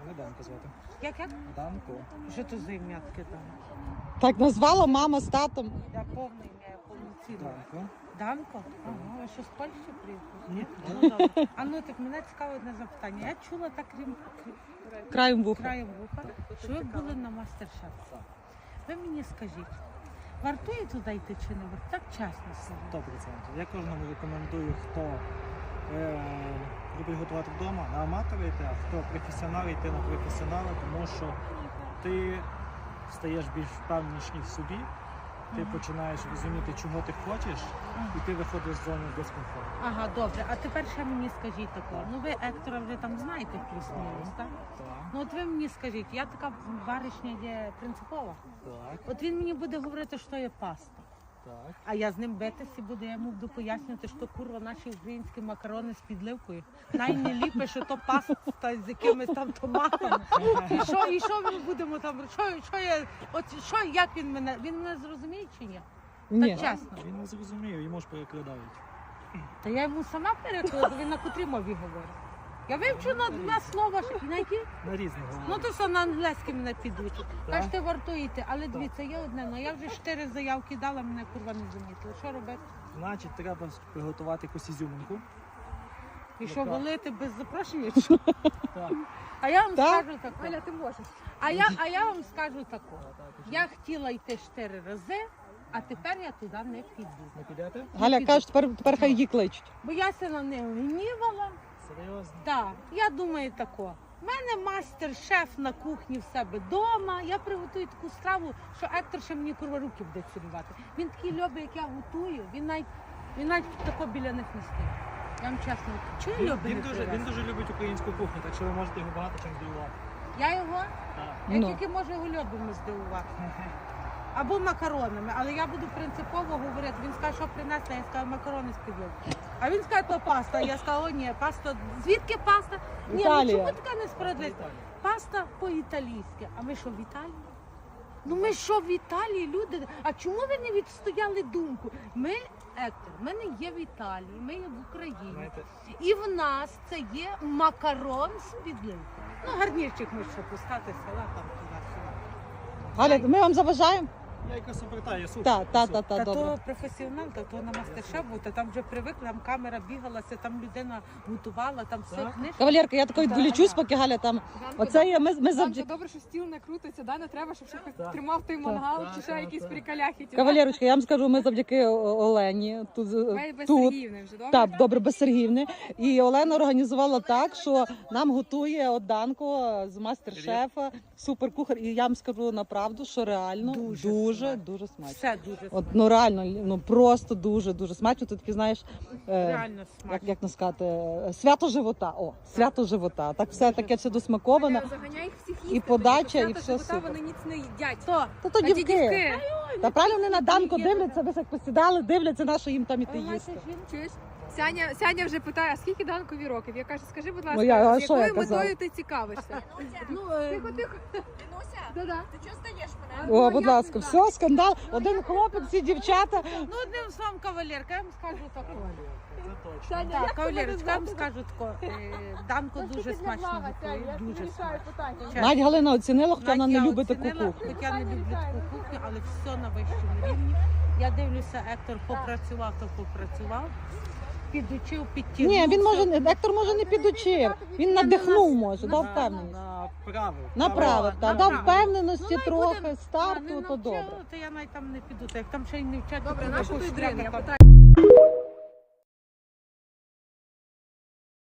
Мене Данко звати. Як? Данко. Що то за ім'я таке там? Так назвала мама з татом. Я повне ім'я, я повноцінне. Данко. Данко? Ага, ви що з Польщі приїхали? Ні. Ну, добре. А ну так мене цікаве одне запитання. Я чула так Краєм вуха. краєм вуха, що ви були на мастер-шеф. Ви мені скажіть, вартує туди йти чи не вартує? Так чесно скажіть. 100%. Я кожному рекомендую, хто любить готувати вдома, на аматора йти, а хто професіонал, йти на професіонала, тому що ти стаєш більш впевненіший в собі, ти починаєш розуміти, чого ти хочеш, і ти виходиш з зони дискомфорту. Ага, добре. А тепер ще мені скажіть таке. Ну ви Ектора вже там знаєте плюс-мінус, так? Так, Ну от ви мені скажіть, я така баришня є принципова. так, От він мені буде говорити, що є паста. так. А я з ним битися буду, я йому буду пояснювати, що курва наші українські макарони з підливкою. Найліпше, що то паста з якимись там томатами. І що ми будемо там, як він мене зрозуміє чи ні? Ні. Так чесно. Він не зрозумів, йому ж перекладають. Та я йому сама перекладу, він на котрій мові говорить. Я вивчу на слова, на які? На різних Ну говорять. то все на англійській мене підучить. Так. Кажете, вартуєте, але дивіться, є одне, ну я вже 4 заявки дала, мене курва не замітили. Що робити? Значить, треба приготувати якусь ізюминку. І що, так. валити без запрошення? чи що? Так. А я вам Так. скажу таку. Аля, ти можеш. А я вам скажу таку. Я хотіла йти 4 рази, а тепер я туди не піду. Не підете? Галя каже, тепер хай її кличуть. Бо я се на неї гнівала. Серйозно? Так, я думаю тако. У мене мастер-шеф на кухні в себе вдома. Я приготую таку страву, що Ектор ще мені курва руки буде цілувати. Він такий любить, як я готую. Він навіть тако біля них не стоїть. Я вам чесно кажу. Чого Він, любить? він дуже любить українську кухню, так що ви можете його багато чим здивувати. Я його? Так. Я Ну. тільки можу його льобами здивувати. Або макаронами, але я буду принципово говорити. Він скаже, що принесли, я скажу макарони з підливки. А він скаже, то паста. Я скажу, о ні, паста. Звідки паста? Ні, Італія. ну чому така несправедливість? Паста по-італійськи. А ми що, в Італії? Ну ми що, в Італії, люди? А чому ви не відстояли думку? Ми, Ектор, ми не є в Італії, ми є в Україні. Знаєте, І в нас це є макарон з підливкою. Ну, гарнірчик ми що пускати села там туди-сюди. Галя, ми вам заважаємо? я якось обертаю суші. Так, Та добре. то професіонал, та то на мастер-шеф був, та там вже привикли, там камера бігалася, там людина готувала, там все Так. книжки. Кавалерка, я такою відволічусь, поки Галя там. Оце є, ми Данко, завжди. добре, що стіл не крутиться, да? Не треба, щоб ще хтось Так. тримав той мангал Так, чи ще так, якісь так. приколяхи. Кавалерочка, я вам скажу, ми завдяки Олені тут. Без тут. Сергіївни вже, добре? Так, добре, без Сергіївни. І Олена організувала так, що нам готує от Данко з мастер-шефа, суперкухар. І я вам скажу направду, що реально дуже смачно. Все дуже От, ну реально, ну просто дуже смачно. Ти таки знаєш, реально смачно. як сказати, свято живота. О, свято живота. Так все таке все досмаковане. Заганяй їх всіх їсти. І подача, тому і що все свята супер. вони ніц не їдять. То, Та то А ті дівки. Та правильно вони на Данко дивляться, ви як посідали, дивляться, на що їм там іти їсти. Чуєш? Сяня вже питає, а скільки Данкові років? Я кажу, скажи, будь Ну, я- ласка, а з що я якою казала? метою ти цікавишся? ну, Тихо. Інуся, Да-да. ти чого стаєш мене? Ну, О, як будь не ласка, знаю. все, скандал. Один хлопець, всі дівчата. ну одним словом, кавалерка, я вам скажу таке. Це точно. Саня, Так, як тебе кавалерочка, я вам звати? скажу таке. Данко дуже смачно готує, дуже смачно. Чесно. Навіть Галина оцінила, хоча вона Навіть не я любить таку оцінила, кухню. Хоча не люблю таку кухню, але все на вищому рівні. Я дивлюся, Ектор попрацював, то попрацював. Підучив, підтягнув. Ні, він може, Ектор може не підучив. Він надихнув може, дав впевненість. Направив. Направив, та дав направив. впевненості Ну, трохи, не старту, то навчили, добре. то я навіть там не піду. Та як там ще й не вчать, Добре, то наша якусь ти дрин, я треба там питаю.